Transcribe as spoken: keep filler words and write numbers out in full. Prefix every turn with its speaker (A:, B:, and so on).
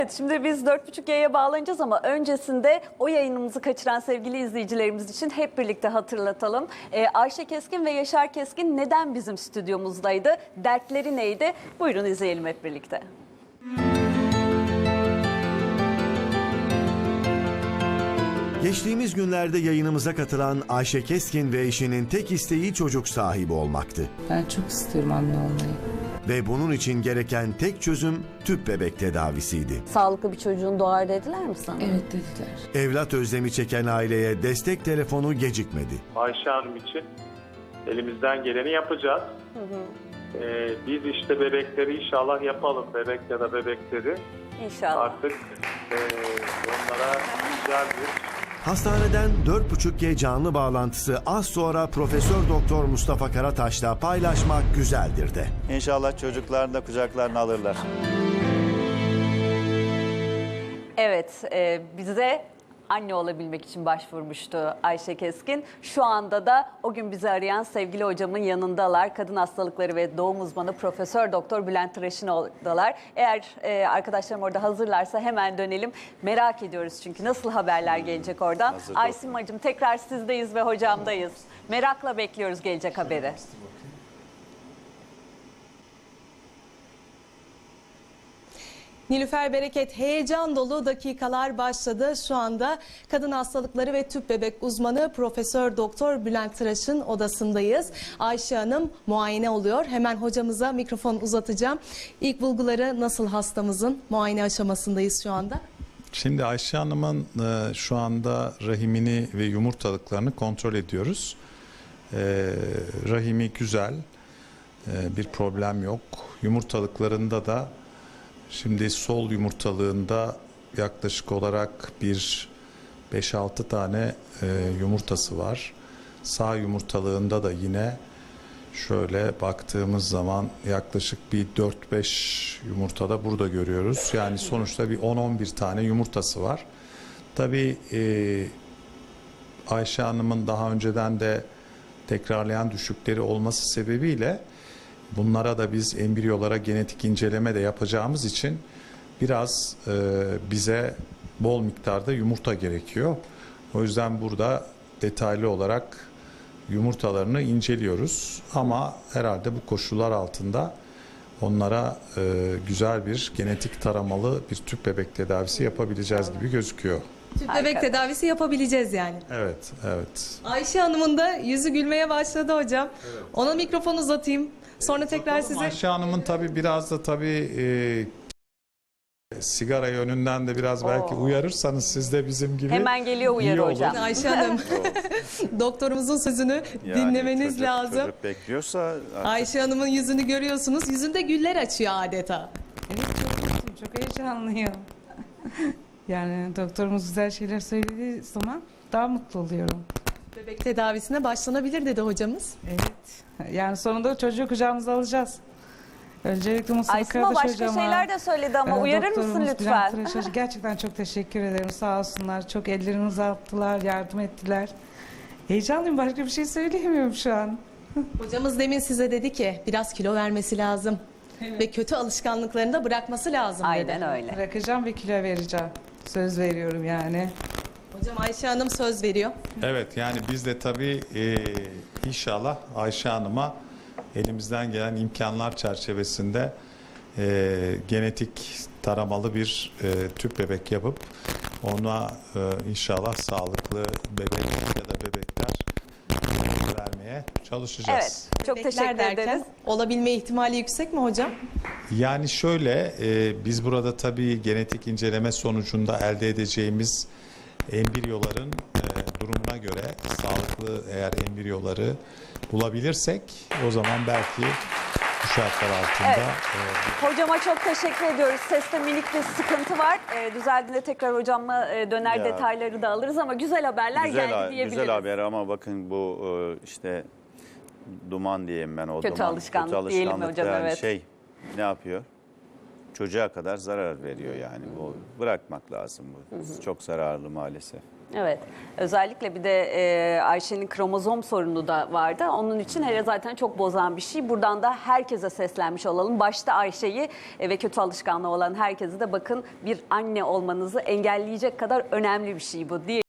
A: Evet, şimdi biz dört buçuk G'ye bağlanacağız ama öncesinde o yayınımızı kaçıran sevgili izleyicilerimiz için hep birlikte hatırlatalım. Ee, Ayşe Keskin ve Yaşar Keskin neden bizim stüdyomuzdaydı? Dertleri neydi? Buyurun izleyelim hep birlikte.
B: Geçtiğimiz günlerde yayınımıza katılan Ayşe Keskin ve eşinin tek isteği çocuk sahibi olmaktı.
C: Ben çok istiyorum anne olmayı.
B: Ve bunun için gereken tek çözüm tüp bebek tedavisiydi.
A: Sağlıklı bir çocuğun doğar dediler mi sana?
C: Evet dediler.
B: Evlat özlemi çeken aileye destek telefonu gecikmedi.
D: Ayşe Hanım için elimizden geleni yapacağız.
A: Hı hı.
D: Ee, biz işte bebekleri inşallah yapalım. Bebek ya da bebekleri
A: İnşallah.
D: artık e, onlara güzel bir...
B: Hastaneden dört buçuk G canlı bağlantısı az sonra Profesör Doktor Mustafa Karataş'la paylaşmak güzeldir de.
E: İnşallah çocuklarını da kucaklarına alırlar.
A: Evet, e, bize anne olabilmek için başvurmuştu Ayşe Keskin. Şu anda da o gün bizi arayan sevgili hocamın yanındalar. Kadın hastalıkları ve doğum uzmanı Profesör Doktor Bülent Tıraşınoğlu'dalar. Eğer e, arkadaşlarım orada hazırlarsa hemen dönelim. Merak ediyoruz çünkü nasıl haberler gelecek oradan.
E: Hazır
A: Aysimacığım tekrar sizdeyiz ve hocamdayız. Merakla bekliyoruz gelecek haberi.
F: Nilüfer Bereket, heyecan dolu dakikalar başladı. Şu anda kadın hastalıkları ve tüp bebek uzmanı Profesör Doktor Bülent Tıraş'ın odasındayız. Ayşe Hanım muayene oluyor. Hemen hocamıza mikrofon uzatacağım. İlk bulguları nasıl hastamızın? Muayene aşamasındayız şu anda.
G: Şimdi Ayşe Hanım'ın e, şu anda rahimini ve yumurtalıklarını kontrol ediyoruz. E, rahimi güzel, e, bir problem yok. Yumurtalıklarında da şimdi sol yumurtalığında yaklaşık olarak bir beş altı tane e, yumurtası var. Sağ yumurtalığında da yine şöyle baktığımız zaman yaklaşık bir dört beş yumurta da burada görüyoruz. Yani sonuçta bir on on bir tane yumurtası var. Tabii e, Ayşe Hanım'ın daha önceden de tekrarlayan düşükleri olması sebebiyle bunlara da biz embriyolara genetik inceleme de yapacağımız için biraz e, bize bol miktarda yumurta gerekiyor. O yüzden burada detaylı olarak yumurtalarını inceliyoruz. Ama herhalde bu koşullar altında onlara e, güzel bir genetik taramalı bir tüp bebek tedavisi yapabileceğiz gibi gözüküyor.
F: Tüp
A: Harika.
F: bebek tedavisi yapabileceğiz yani.
G: Evet, evet.
F: Ayşe Hanım'ın da yüzü gülmeye başladı hocam. Ona mikrofon uzatayım. Sonra tekrar size...
G: Ayşe Hanım'ın tabii biraz da tabii e, sigara yönünden de biraz belki
A: Oo.
G: uyarırsanız siz de bizim gibi
A: Hemen geliyor uyarı
G: iyi olur.
A: hocam.
F: Ayşe Hanım, doktorumuzun sözünü
E: Yani
F: dinlemeniz
E: çocuk-
F: lazım.
E: Çocuk bekliyorsa artık
F: Ayşe Hanım'ın yüzünü görüyorsunuz. Yüzünde güller açıyor adeta.
C: Evet çok mutluyum, çok heyecanlıyım. Yani doktorumuz güzel şeyler söylediği zaman daha mutlu oluyorum.
F: Bebek tedavisine başlanabilir dedi hocamız.
C: Evet. Yani sonunda çocuğu kucağımıza alacağız. Öncelikle Mustafa
A: Aysima
C: Karataş
A: başka
C: hocama,
A: şeyler de söyledi ama
C: e,
A: uyarır mısın
C: doktorumuz
A: lütfen?
C: Bülent Tıraş, gerçekten çok teşekkür ederim. Sağ olsunlar. Çok ellerini uzattılar, yardım ettiler. Heyecanlıyım. Başka bir şey söyleyemiyorum şu an.
F: Hocamız demin size dedi ki biraz kilo vermesi lazım. Ve kötü alışkanlıklarını da bırakması lazım dedi.
A: Aynen öyle.
C: Bırakacağım ve kilo vereceğim. Söz veriyorum yani.
F: Hocam Ayşe Hanım söz veriyor.
G: Evet, yani biz de tabii e, inşallah Ayşe Hanım'a elimizden gelen imkanlar çerçevesinde e, genetik taramalı bir e, tüp bebek yapıp ona e, inşallah sağlıklı bebek ya da bebekler e, vermeye çalışacağız.
A: Evet, çok
F: Bebekler
A: teşekkür
F: derken
A: ederiz.
F: olabilme ihtimali yüksek mi hocam?
G: Yani şöyle, e, biz burada tabii genetik inceleme sonucunda elde edeceğimiz embriyoların e, durumuna göre sağlıklı eğer embriyoları bulabilirsek o zaman belki bu şartlar altında
A: Evet. Hocama çok teşekkür ediyoruz. Seste minik bir sıkıntı var. Ee, düzeldiğinde tekrar hocamla e, döner
E: Ya.
A: detayları da alırız ama güzel haberler
E: güzel,
A: geldi
E: ha-
A: diyebiliriz.
E: güzel haber ama bakın bu e, işte duman diyeyim ben o
A: Kötü
E: duman.
A: alışkanlık diyelim
E: alışkanlık
A: hocam,
E: yani
A: evet.
E: Şey ne yapıyor? çocuğa kadar zarar veriyor yani. Bu bırakmak lazım bu. Çok zararlı maalesef.
A: Evet. Özellikle bir de e, Ayşe'nin kromozom sorunu da vardı. Onun için hele zaten çok bozan bir şey. Buradan da herkese seslenmiş olalım. Başta Ayşe'yi e, ve kötü alışkanlığı olan herkese de bakın, bir anne olmanızı engelleyecek kadar önemli bir şey bu diye.